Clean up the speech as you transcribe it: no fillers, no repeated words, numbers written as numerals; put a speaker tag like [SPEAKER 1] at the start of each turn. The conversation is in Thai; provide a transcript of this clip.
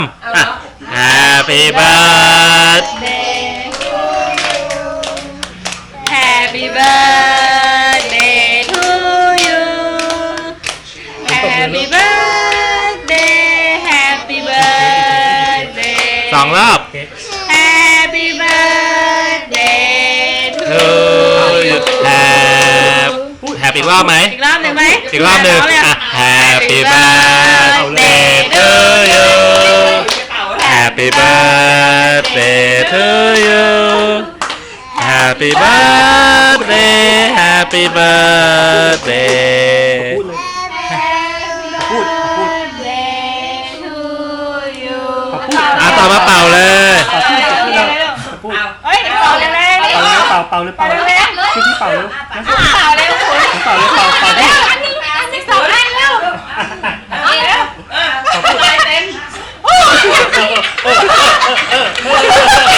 [SPEAKER 1] Happy birthday
[SPEAKER 2] Happy birthday to you Happy birthday Happy birthday
[SPEAKER 1] สองรอบ
[SPEAKER 2] Happy birthday to you
[SPEAKER 1] Happy อีกรอบไหม
[SPEAKER 2] อีกรอบหนึ่งไหม
[SPEAKER 1] อีกรอบหนึ่งHappy birthday to you Happy birthday to you Happy birthday Happy birthday
[SPEAKER 3] พูด
[SPEAKER 1] ต่อมาเป่าเลย
[SPEAKER 3] พูด
[SPEAKER 2] เฮ้ยเป่าเลยเลย
[SPEAKER 3] เป่าเลยช่วยพี่เป่าเร็ว
[SPEAKER 2] เป่าเลยคุณ
[SPEAKER 3] เป่าเลยเป่าดิ
[SPEAKER 2] อันนี้สองอันเร็วเอาเร็วไปเต็ม